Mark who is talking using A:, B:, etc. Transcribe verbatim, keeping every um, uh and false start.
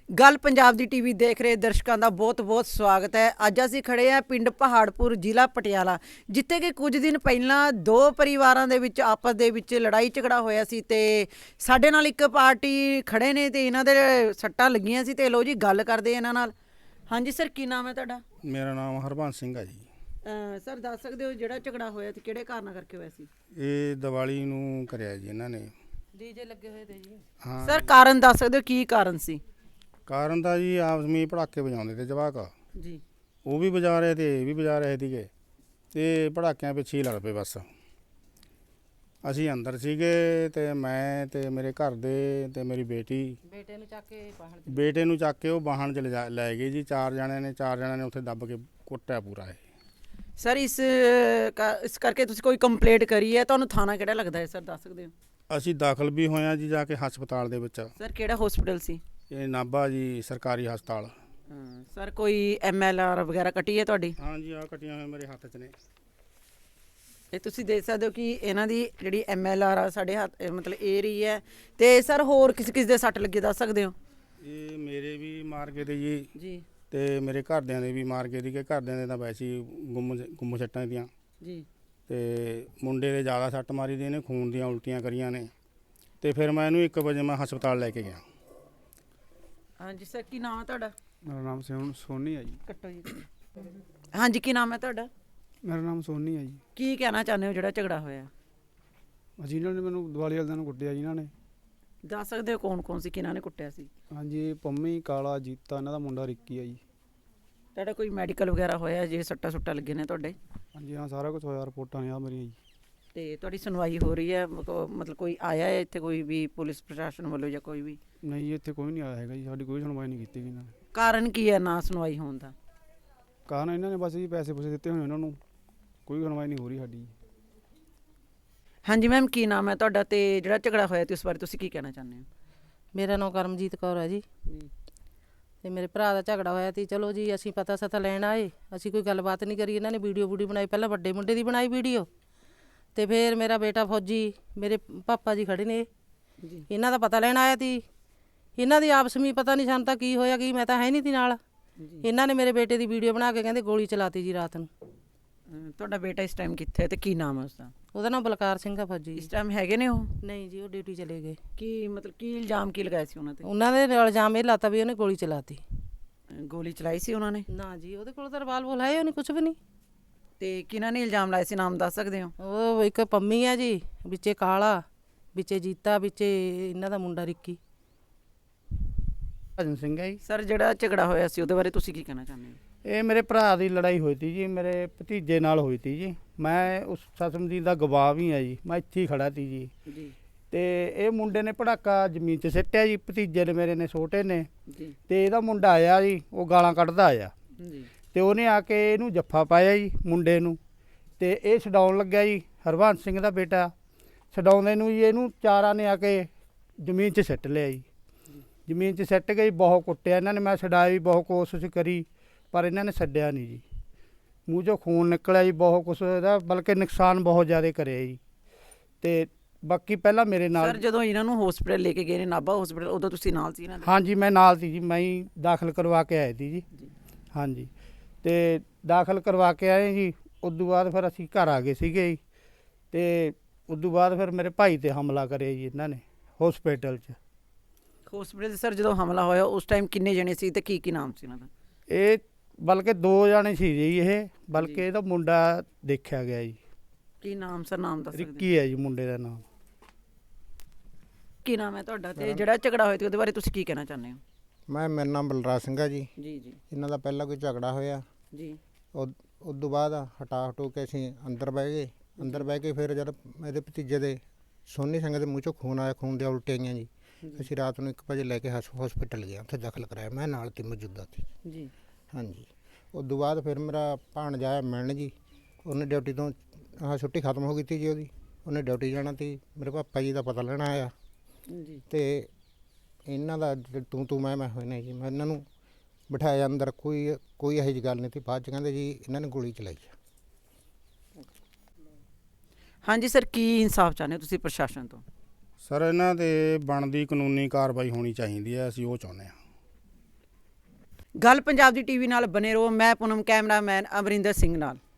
A: ਗੱਲ ਪੰਜਾਬ ਦੀ ਟੀਵੀ ਦੇਖ ਰਹੇ ਦਰਸ਼ਕਾਂ ਦਾ ਬਹੁਤ-ਬਹੁਤ ਸਵਾਗਤ ਹੈ। ਅੱਜ ਅਸੀਂ ਖੜੇ ਹਾਂ ਪਿੰਡ ਪਹਾੜਪੁਰ, ਜ਼ਿਲ੍ਹਾ ਪਟਿਆਲਾ, ਜਿੱਥੇ ਕਿ ਕੁਝ ਦਿਨ ਪਹਿਲਾਂ ਦੋ ਪਰਿਵਾਰਾਂ ਦੇ ਵਿੱਚ ਆਪਸ ਦੇ ਵਿੱਚ ਲੜਾਈ ਝਗੜਾ ਹੋਇਆ ਸੀ ਤੇ ਸਾਡੇ ਨਾਲ ਇੱਕ ਪਾਰਟੀ ਖੜੇ ਨੇ ਤੇ ਇਹਨਾਂ ਦੇ ਸੱਟਾਂ ਲੱਗੀਆਂ ਸੀ ਤੇ ਲੋ ਜੀ ਗੱਲ ਕਰਦੇ ਇਹਨਾਂ ਨਾਲ। ਹਾਂਜੀ ਸਰ, ਕੀ ਨਾਮ ਹੈ ਤੁਹਾਡਾ?
B: ਮੇਰਾ ਨਾਮ ਹਰਬੰਸ ਸਿੰਘ ਹੈ ਜੀ।
A: ਸਰ ਦੱਸ ਸਕਦੇ ਹੋ ਜਿਹੜਾ ਝਗੜਾ ਹੋਇਆ ਤੇ ਕਿਹੜੇ ਕਾਰਨ ਕਰਕੇ ਹੋਇਆ ਸੀ?
B: ਇਹ ਦੀਵਾਲੀ ਨੂੰ ਕਰਿਆ ਜੀ ਇਹਨਾਂ ਨੇ।
A: ਡੀਜੇ ਲੱਗੇ ਹੋਏ ਤੇ ਜੀ।
B: ਹਾਂ
A: ਸਰ ਕਾਰਨ ਦੱਸ ਸਕਦੇ ਹੋ ਕੀ ਕਾਰਨ ਸੀ?
B: ਕਾਰਨ ਤਾਂ ਜੀ ਆਪਸ ਵਿੱਚ ਪੜਾਕੇ ਵਜਾਉਂਦੇ ਤੇ ਜਵਾਕ
A: ਜੀ,
B: ਉਹ ਵੀ ਵਜਾ ਰਹੇ ਤੇ ਇਹ ਵੀ ਵਜਾ ਰਹੇ ਸੀਗੇ ਤੇ ਪੜਾਕਿਆਂ ਪਿੱਛੇ ਹੀ ਲੜ ਪਏ। ਬਸ ਅਸੀਂ ਅੰਦਰ ਸੀਗੇ ਤੇ ਮੈਂ ਤੇ ਮੇਰੇ ਘਰ ਦੇ ਤੇ ਮੇਰੀ ਬੇਟੀ
A: ਬੇਟੇ ਨੂੰ ਚੱਕ ਕੇ ਬਾਹਰ
B: ਬੇਟੇ ਨੂੰ ਚੱਕ ਕੇ ਉਹ ਵਾਹਣ 'ਚ ਲਿਜਾ ਲੈ ਗਏ ਜੀ। ਚਾਰ ਜਣਿਆਂ ਨੇ ਚਾਰ ਜਣਿਆਂ ਨੇ ਉੱਥੇ ਦੱਬ ਕੇ ਕੁੱਟਿਆ ਪੂਰਾ ਇਹ।
A: ਸਰ ਇਸ ਇਸ ਕਰਕੇ ਤੁਸੀਂ ਕੋਈ ਕੰਪਲੇਂਟ ਕਰੀ ਹੈ? ਤੁਹਾਨੂੰ ਥਾਣਾ ਕਿਹੜਾ ਲੱਗਦਾ ਹੈ ਸਰ, ਦੱਸ ਸਕਦੇ ਹੋ?
B: ਅਸੀਂ ਦਾਖਲ ਵੀ ਹੋਏ ਹਾਂ ਜੀ ਜਾ ਕੇ ਹਸਪਤਾਲ ਦੇ ਵਿੱਚ।
A: ਸਰ ਕਿਹੜਾ ਹਸਪੀਟਲ ਸੀ?
B: ਇਹ ਨਾਭਾ ਜੀ ਸਰਕਾਰੀ ਹਸਪਤਾਲ।
A: ਹਾਂ ਸਰ, ਕੋਈ ਐਮ ਐਲ ਆਰ ਵਗੈਰਾ ਕੱਟੀ ਹੈ ਤੁਹਾਡੀ?
B: ਹਾਂਜੀ ਆ ਕੱਟੀਆਂ ਹੋਈਆਂ ਮੇਰੇ ਹੱਥ 'ਚ ਨੇ।
A: ਇਹ ਤੁਸੀਂ ਦੇਖ ਸਕਦੇ ਹੋ ਕਿ ਇਹਨਾਂ ਦੀ ਜਿਹੜੀ ਐਮ ਐਲ ਆਰ ਆ ਸਾਡੇ ਹੱਥ ਮਤਲਬ ਇਹ ਰਹੀ ਹੈ। ਤੇ ਸਰ ਹੋਰ ਕਿਸ ਕਿਸ ਦੇ ਸੱਟ ਲੱਗੇ ਦੱਸ ਸਕਦੇ ਹੋ?
B: ਇਹ ਮੇਰੇ ਵੀ ਮਾਰ ਕੇ ਤੇ ਜੀ
A: ਜੀ
B: ਤੇ ਮੇਰੇ ਘਰਦਿਆਂ ਦੇ ਵੀ ਮਾਰ ਕੇ ਦੀ ਕਿ ਘਰਦਿਆਂ ਦੇ ਤਾਂ ਵੈਸੇ ਹੀ ਗੁੰਮ ਗੁੰਮ ਸੱਟਾਂ ਦੀਆਂ
A: ਜੀ।
B: ਤੇ ਮੁੰਡੇ ਦੇ ਜ਼ਿਆਦਾ ਸੱਟ ਮਾਰੀ ਦੀ ਇਹਨੇ, ਖੂਨ ਦੀਆਂ ਉਲਟੀਆਂ ਕਰੀਆਂ ਨੇ। ਤੇ ਫਿਰ ਮੈਂ ਇਹਨੂੰ ਇੱਕ ਵਜੇ ਮੈਂ ਹਸਪਤਾਲ ਲੈ ਕੇ ਗਿਆ।
A: ਹਾਂਜੀ ਸਰ, ਕੀ ਨਾਮ ਹੈ ਤੁਹਾਡਾ?
C: ਮੇਰਾ ਨਾਮ ਸੋਨ ਸੋਨੀ ਹੈ ਜੀ।
A: ਕੱਟੋ ਜੀ। ਹਾਂਜੀ, ਕੀ ਨਾਮ ਹੈ ਤੁਹਾਡਾ?
C: ਮੇਰਾ ਨਾਮ ਸੋਨੀ ਹੈ ਜੀ।
A: ਕੀ ਕਹਿਣਾ ਚਾਹੁੰਦੇ ਹੋ ਜਿਹੜਾ ਝਗੜਾ ਹੋਇਆ?
C: ਹਾਂਜੀ, ਇਹਨਾਂ ਨੇ ਮੈਨੂੰ ਦੀਵਾਲੀ ਵਾਲੇ ਦਿਨ ਕੁੱਟਿਆ ਜੀ ਇਹਨਾਂ ਨੇ।
A: ਦੱਸ ਸਕਦੇ ਹੋ ਕੌਣ ਕੌਣ ਸੀ, ਕਿਹਨਾਂ ਨੇ ਕੁੱਟਿਆ ਸੀ?
C: ਹਾਂਜੀ, ਪੰਮੀ, ਕਾਲਾ, ਜੀਤਾ, ਇਹਨਾਂ ਦਾ ਮੁੰਡਾ ਰਿੱਕੀ ਹੈ ਜੀ।
A: ਤੁਹਾਡਾ ਕੋਈ ਮੈਡੀਕਲ ਵਗੈਰਾ ਹੋਇਆ ਜੇ ਸੱਟਾਂ ਸੁੱਟਾਂ ਲੱਗੇ ਨੇ ਤੁਹਾਡੇ?
C: ਹਾਂਜੀ ਹਾਂ, ਸਾਰਾ ਕੁਝ ਹੋਇਆ, ਰਿਪੋਰਟਾਂ ਨੇ ਆ ਮੇਰੀਆਂ ਜੀ।
A: ਤੇ ਤੁਹਾਡੀ ਸੁਣਵਾਈ ਹੋ ਰਹੀ ਹੈ? ਮਤਲਬ ਕੋਈ ਆਇਆ ਹੈ ਇੱਥੇ, ਕੋਈ ਵੀ ਪੁਲਿਸ ਪ੍ਰਸ਼ਾਸਨ ਵੱਲੋਂ ਜਾਂ ਕੋਈ ਵੀ?
C: ਨਹੀਂ ਜੀ, ਇੱਥੇ ਕੋਈ ਨਹੀਂ ਆਇਆ ਹੈਗਾ ਜੀ, ਸਾਡੀ ਕੋਈ ਸੁਣਵਾਈ ਨਹੀਂ ਕੀਤੀ ਗਈ ਇਹਨਾਂ ਨੇ।
A: ਕਾਰਨ ਕੀ ਹੈ ਨਾ ਸੁਣਵਾਈ ਹੋਣ ਦਾ?
C: ਕਾਰਨ ਇਹਨਾਂ ਨੇ ਬਸ ਜੀ ਪੈਸੇ ਪੂਸੇ ਦਿੱਤੇ ਹੋਏ ਉਹਨਾਂ ਨੂੰ, ਕੋਈ ਸੁਣਵਾਈ ਨਹੀਂ ਹੋ ਰਹੀ ਸਾਡੀ।
A: ਹਾਂਜੀ ਮੈਮ, ਕੀ ਨਾਮ ਹੈ ਤੁਹਾਡਾ ਤੇ ਜਿਹੜਾ ਝਗੜਾ ਹੋਇਆ ਤੇ ਉਸ ਬਾਰੇ ਤੁਸੀਂ ਕੀ ਕਹਿਣਾ ਚਾਹੁੰਦੇ ਹੋ?
D: ਮੇਰਾ ਨਾਮ ਕਰਮਜੀਤ ਕੌਰ ਹੈ ਜੀ। ਤੇ ਮੇਰੇ ਭਰਾ ਦਾ ਝਗੜਾ ਹੋਇਆ ਸੀ। ਚਲੋ ਜੀ, ਅਸੀਂ ਪਤਾ ਸਤਾ ਲੈਣ ਆਏ, ਅਸੀਂ ਕੋਈ ਗੱਲਬਾਤ ਨਹੀਂ ਕਰੀ। ਇਹਨਾਂ ਨੇ ਵੀਡੀਓ ਵੂਡੀਓ ਬਣਾਈ, ਪਹਿਲਾਂ ਵੱਡੇ ਮੁੰਡੇ ਦੀ ਬਣਾਈ ਵੀਡੀਓ ਤੇ ਫਿਰ ਮੇਰਾ ਬੇਟਾ ਫੌਜੀ, ਮੇਰੇ ਪਾਪਾ ਜੀ ਖੜੇ ਨੇ, ਇਹਨਾਂ ਦਾ ਪਤਾ ਲੈਣ ਆਇਆ ਸੀ। ਇਹਨਾਂ ਦੀ ਆਪਸ ਵਿੱਚ ਪਤਾ ਨਹੀਂ ਸਾਨੂੰ ਤਾਂ ਕੀ ਹੋਇਆ ਕੀ, ਮੈਂ ਤਾਂ ਹੈ ਨਹੀਂ ਸੀ ਨਾਲ। ਇਹਨਾਂ ਨੇ ਮੇਰੇ ਬੇਟੇ ਦੀ ਵੀਡੀਓ ਬਣਾ ਕੇ ਕਹਿੰਦੇ ਗੋਲੀ ਚਲਾਤੀ ਜੀ ਰਾਤ ਨੂੰ।
A: ਤੁਹਾਡਾ ਬੇਟਾ ਇਸ ਟਾਈਮ ਕਿੱਥੇ ਹੈ ਤੇ ਕੀ ਨਾਮ ਹੈ ਉਸਦਾ?
D: ਉਹਦਾ ਨਾਮ ਬਲਕਾਰ ਸਿੰਘ ਆ ਫੌਜੀ।
A: ਇਸ ਟਾਈਮ ਹੈਗੇ ਨੇ ਉਹ?
D: ਨਹੀਂ ਜੀ, ਉਹ ਡਿਊਟੀ ਚਲੇ ਗਏ।
A: ਕੀ ਮਤਲਬ ਕੀ ਇਲਜ਼ਾਮ ਕੀ ਲਗਾਇਆ ਸੀ ਉਹਨਾਂ ਤੇ?
D: ਉਹਨਾਂ ਦੇ ਇਲਜ਼ਾਮ ਇਹ ਲਾਤਾ ਵੀ ਉਹਨੇ ਗੋਲੀ ਚਲਾਤੀ।
A: ਗੋਲੀ ਚਲਾਈ ਸੀ ਉਹਨਾਂ ਨੇ?
D: ਨਾ ਜੀ, ਉਹਦੇ ਕੋਲ ਤਾਂ ਰਿਵਾਲਵਰ ਹੈ ਉਹਨੇ ਕੁਝ ਵੀ ਨਹੀਂ।
A: ਤੇ ਕਿਹਨਾਂ ਨੇ ਇਲਜ਼ਾਮ ਲਾਏ ਸੀ, ਨਾਮ ਦੱਸ ਸਕਦੇ ਹੋ?
D: ਉਹ ਇੱਕ ਪੰਮੀ ਆ ਜੀ, ਵਿੱਚੇ ਕਾਲਾ, ਵਿੱਚੇ ਜੀਤਾ, ਵਿੱਚੇ ਇਹਨਾਂ ਦਾ ਮੁੰਡਾ ਰਿੱਕੀ।
B: ਭਜਨ ਸਿੰਘ ਹੈ ਜੀ।
A: ਸਰ ਜਿਹੜਾ ਝਗੜਾ ਹੋਇਆ ਸੀ ਉਹਦੇ ਬਾਰੇ ਤੁਸੀਂ ਕੀ ਕਹਿਣਾ ਚਾਹੁੰਦੇ ਹੋ?
B: ਇਹ ਮੇਰੇ ਭਰਾ ਦੀ ਲੜਾਈ ਹੋਈ ਤੀ ਜੀ, ਮੇਰੇ ਭਤੀਜੇ ਨਾਲ ਹੋਈ ਤੀ ਜੀ। ਮੈਂ ਉਸ ਸਸਮ ਦੀ ਦਾ ਗਵਾਹ ਵੀ ਹਾਂ ਜੀ, ਮੈਂ ਇੱਥੇ ਹੀ ਖੜਾ ਤੀ ਜੀ।
A: ਜੀ।
B: ਤੇ ਇਹ ਮੁੰਡੇ ਨੇ ਪੜਾਕਾ ਜ਼ਮੀਨ 'ਚ ਸਿੱਟਿਆ ਜੀ, ਭਤੀਜੇ ਨੇ ਮੇਰੇ ਨੇ ਛੋਟੇ ਨੇ।
A: ਜੀ।
B: ਤੇ ਇਹਦਾ ਮੁੰਡਾ ਆਇਆ ਜੀ, ਉਹ ਗਾਲਾਂ ਕੱਢਦਾ ਆਇਆ
A: ਜੀ।
B: ਤੇ ਉਹਨੇ ਆ ਕੇ ਇਹਨੂੰ ਜੱਫਾ ਪਾਇਆ ਜੀ ਮੁੰਡੇ ਨੂੰ। ਤੇ ਇਹ ਛਡਾਉਣ ਲੱਗਿਆ ਜੀ, ਹਰਬੰਸ ਸਿੰਘ ਦਾ ਬੇਟਾ। ਛਡਾਉਂਦੇ ਨੂੰ ਜੀ ਇਹਨੂੰ ਚਾਰਾਂ ਨੇ ਆ ਕੇ ਜ਼ਮੀਨ 'ਚ ਸਿੱਟ ਲਿਆ ਜੀ। ਜ਼ਮੀਨ 'ਚ ਸਿੱਟ ਕੇ ਬਹੁਤ ਕੁੱਟਿਆ ਇਹਨਾਂ ਨੇ। ਮੈਂ ਛਡਾਈ ਵੀ ਬਹੁਤ ਕੋਸ਼ਿਸ਼ ਕਰੀ ਪਰ ਇਹਨਾਂ ਨੇ ਛੱਡਿਆ ਨਹੀਂ ਜੀ। ਮੂੰਹ 'ਚੋਂ ਖੂਨ ਨਿਕਲਿਆ ਜੀ, ਬਹੁਤ ਕੁਛ ਇਹਦਾ, ਬਲਕਿ ਨੁਕਸਾਨ ਬਹੁਤ ਜ਼ਿਆਦਾ ਕਰਿਆ ਜੀ। ਤੇ ਬਾਕੀ ਪਹਿਲਾਂ ਮੇਰੇ ਨਾਲ
A: ਸਰ ਜਦੋਂ ਇਹਨਾਂ ਨੂੰ ਹਸਪੀਟਲ ਲੈ ਕੇ ਗਏ ਨੇ, ਨਾਭਾ ਹਸਪੀਟਲ, ਉਦੋਂ ਤੁਸੀਂ ਨਾਲ ਸੀ ਇਹਨਾਂ ਦੇ?
B: ਹਾਂਜੀ ਮੈਂ ਨਾਲ ਸੀ ਜੀ, ਮੈਂ ਹੀ ਦਾਖਲ ਕਰਵਾ ਕੇ ਆਏ ਸੀ ਜੀ। ਹਾਂਜੀ, ਤੇ ਦਾਖਲ ਕਰਵਾ ਕੇ ਆਏ ਜੀ। ਉਦੋਂ ਬਾਅਦ ਫਿਰ ਅਸੀਂ ਘਰ ਆ ਗਏ ਸੀਗੇ ਜੀ। ਤੇ ਉਦੋਂ ਬਾਅਦ ਫਿਰ ਮੇਰੇ ਭਾਈ 'ਤੇ ਹਮਲਾ ਕਰਿਆ ਜੀ ਇਹਨਾਂ ਨੇ ਹਸਪੀਟਲ 'ਚ।
A: ਹਸਪੀਟਲ 'ਚ ਸਰ ਜਦੋਂ ਹਮਲਾ ਹੋਇਆ ਉਸ ਟਾਈਮ ਕਿੰਨੇ ਜਣੇ ਸੀ ਤੇ ਕੀ ਕੀ ਨਾਮ ਸੀ ਇਹਨਾਂ ਦਾ?
B: ਇਹ ਬਲਕਿ ਦੋ ਜਾਣੇ ਸੀ ਜੀ ਇਹ, ਬਲਕਿ ਇਹਦਾ ਮੁੰਡਾ ਦੇਖਿਆ ਗਿਆ ਜੀ।
A: ਕੀ ਨਾਮ ਸਰ, ਨਾਮ ਦੱਸ ਸਕਦੇ?
B: ਰਿੱਕੀ ਹੈ ਜੀ ਮੁੰਡੇ ਦਾ ਨਾਮ।
A: ਕੀ ਨਾਮ ਹੈ ਤੁਹਾਡਾ ਤੇ ਜਿਹੜਾ ਝਗੜਾ ਹੋਇਆ ਤੇ ਉਹਦੇ ਬਾਰੇ ਤੁਸੀਂ ਕੀ ਕਹਿਣਾ ਚਾਹੁੰਦੇ ਹੋ?
E: ਮੈਂ ਮੇਰਾ ਨਾਮ ਬਲਰਾਜ ਸਿੰਘ ਆ ਜੀ।
A: ਜੀ ਜੀ
E: ਇਹਨਾਂ ਦਾ ਪਹਿਲਾਂ ਕੋਈ ਝਗੜਾ ਹੋਇਆ
A: ਜੀ।
E: ਉਸ ਤੋਂ ਬਾਅਦ ਹਟਾ ਹਟੂ ਕੇ ਅਸੀਂ ਅੰਦਰ ਬਹਿ ਗਏ। ਅੰਦਰ ਬਹਿ ਕੇ ਫਿਰ ਜਦ ਮੇਰੇ ਭਤੀਜੇ ਦੇ ਸੋਨੀ ਸਿੰਘ ਦੇ ਮੂੰਹ 'ਚੋਂ ਖੂਨ ਆਇਆ, ਖੂਨ ਦੀਆਂ ਉਲਟੀਆਂ ਆਈਆਂ ਜੀ। ਅਸੀਂ ਰਾਤ ਨੂੰ ਇੱਕ ਵਜੇ ਲੈ ਕੇ ਹਸਪੀਟਲ ਗਏ, ਉੱਥੇ ਦਾਖਲ ਕਰਾਇਆ। ਮੈਂ ਨਾਲ ਤੇ ਮੌਜੂਦਾ ਸੀ
A: ਜੀ।
E: ਹਾਂਜੀ, ਉਸ ਤੋਂ ਬਾਅਦ ਫਿਰ ਮੇਰਾ ਭਾਣਜਾ ਆਇਆ ਮਿਲਣ ਜੀ। ਉਹਨੇ ਡਿਊਟੀ ਤੋਂ ਆਹ ਛੁੱਟੀ ਖਤਮ ਹੋ ਗਈ ਤੀ ਜੀ ਉਹਦੀ, ਉਹਨੇ ਡਿਊਟੀ ਜਾਣਾ ਤੀ। ਮੇਰੇ ਪਾਪਾ ਜੀ ਦਾ ਪਤਾ ਲੈਣਾ ਆਇਆ
A: ਜੀ।
E: ਤੇ ਇਹਨਾਂ ਦਾ ਤੂੰ ਤੂੰ ਮੈਂ ਮੈਂ ਹੋਏ ਨੇ ਜੀ। ਮੈਂ ਇਹਨਾਂ ਨੂੰ ਬਿਠਾਇਆ ਅੰਦਰ, ਕੋਈ ਕੋਈ ਇਹੋ ਜਿਹੀ ਗੱਲ ਨਹੀਂ ਤੀ। ਬਾਅਦ 'ਚ ਕਹਿੰਦੇ ਜੀ ਇਹਨਾਂ ਨੇ ਗੋਲੀ ਚਲਾਈ ਆ।
A: ਹਾਂਜੀ ਸਰ, ਕੀ ਇਨਸਾਫ ਚਾਹੁੰਦੇ ਹੋ ਤੁਸੀਂ ਪ੍ਰਸ਼ਾਸਨ ਤੋਂ?
B: ਸਰ ਇਹਨਾਂ 'ਤੇ ਬਣਦੀ ਕਾਨੂੰਨੀ ਕਾਰਵਾਈ ਹੋਣੀ ਚਾਹੀਦੀ ਹੈ, ਅਸੀਂ ਉਹ ਚਾਹੁੰਦੇ ਹਾਂ।
A: ਗੱਲ ਪੰਜਾਬ ਦੀ ਟੀਵੀ ਨਾਲ ਬਨੇ ਰਹੋ। ਮੈਂ ਪੂਨਮ, ਕੈਮਰਾਮੈਨ ਅਮਰਿੰਦਰ ਸਿੰਘ ਨਾਲ।